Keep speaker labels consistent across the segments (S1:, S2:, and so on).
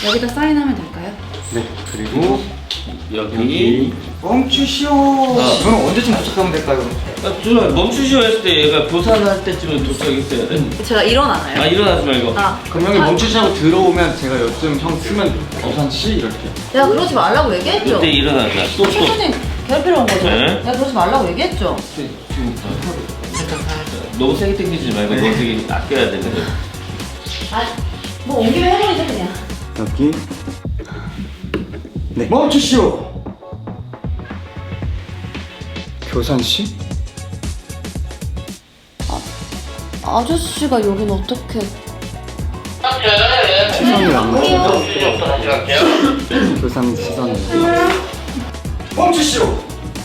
S1: 여기다 사인하면 될까요?
S2: 네, 그리고
S3: 여기
S2: 멈추시오. 저는 언제쯤 도착하면 될까요?
S3: 준아 멈추시오 했을 때 얘가 교산할 때쯤은 도착했어야 돼.
S1: 제가 일어나나요?
S3: 아 일어나지 말고.
S2: 그럼 형이 멈추시라고 들어오면 제가 요즘 형 쓰면 어산씨 이렇게.
S4: 내가 그러지 말라고 얘기했죠?
S3: 그때 일어나자. 또.
S4: 최선님 괴롭히러 온 거죠?
S3: 네.
S4: 내가 그러지 말라고 얘기했죠?
S3: 너무 세게 당기지 말고 너무 되게 아껴야 되거든.
S4: 뭐 온 김에 해버리자 그냥.
S2: 여기. 네. 멈추시오. 교산씨?
S4: 아저씨가 여긴 어떻게?
S2: 시선이 안 맞죠? 교산 시선이. 멈추시오.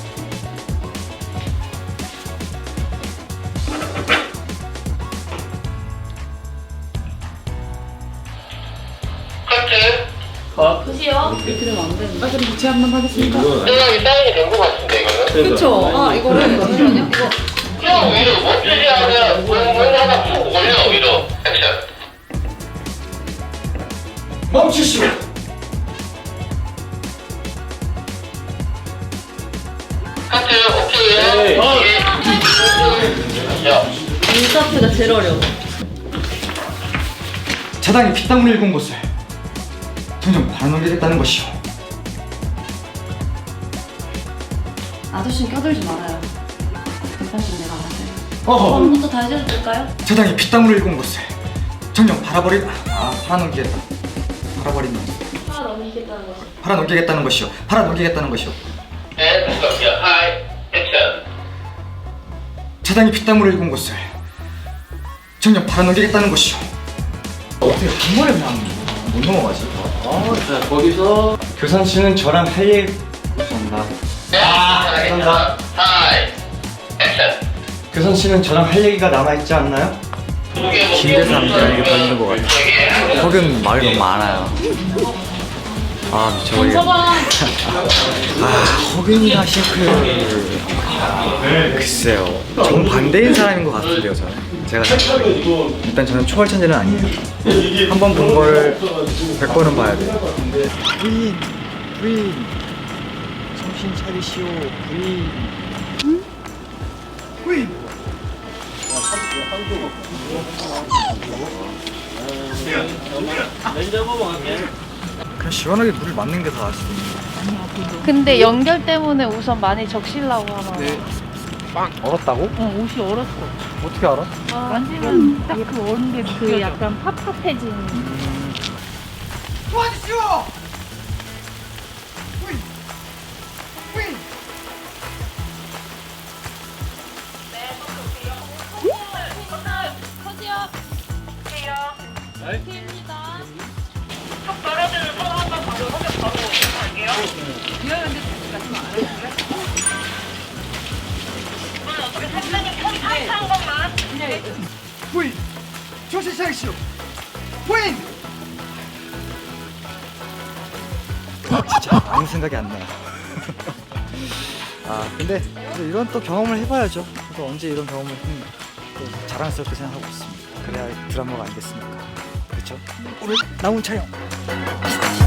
S1: 그시요? 이렇게 되면 안 되는데. 그럼 제 한번 하겠습니다.
S5: 생각이 사인이 된 것 같은데 이거는?
S1: 그쵸? 이거를 잠시만요. 이거.
S5: 형 위로 멈추지 않으면 공을 하나 푹 올려 위로 액션.
S2: 멈추시오.
S5: 카트 오케이. 야.
S1: 인사트가 제일 어려워.
S2: 자당이 피땀을 일군 곳을 점점 발아넘기겠다는 것이오.
S1: 아저씨는 껴들지 말아요. 괜찮으면 내가 알아서요.
S2: 어허.
S1: 처음부터 다시 해도 될까요?
S2: 자당이 피땀을 일군 곳을 점점 팔아넘기겠다. 팔아버린다. 팔아넘기겠다는 것이오. 팔아넘기겠다는 것이오.
S5: 앤 스톱. 야 하이 액션.
S2: 자당이 피땀을 일군 곳을 점점 팔아넘기겠다는 것이오. 어떻게 한 번에 그냥 못 넘어가지?
S3: 자 거기서
S2: 교산 씨는 저랑 할 얘기 감사합니다. 감사합니다.
S5: 하이 액션.
S2: 교산 씨는 저랑 할 얘기가 남아있지 않나요?
S5: 김대사 남자에게 걸리는 것 같아.
S2: 혹은 말이 너무 많아요. 저희가 허균이나 싱크 글쎄요, 정반대인 사람인 것 같은데요. 제가 일단 저는 초월천재는 아니에요. 한 번 본 거를 100번은 봐야 돼요. 부인 정신 차리시오. 부인. 그냥 시원하게 물을 맞는 게 더 아시죠?
S6: 근데 연결 때문에 우선 많이 적시려고 하나.
S2: 네. 얼었다고?
S6: 응, 옷이 얼었어.
S2: 어떻게 알아?
S6: 만지면 딱 그 얼은 게 그 약간 팝팝해진.
S2: 도와주시오! 부인! 부인! 부인! 정신 차리시오! 부인! 진짜 아무 생각이 안 나요. 근데 이런 또 경험을 해봐야죠. 또 언제 이런 경험을 또 자랑스럽게 생각하고 있습니다. 그래야 드라마가 아니겠습니까? 그렇죠? 오늘 나온 촬영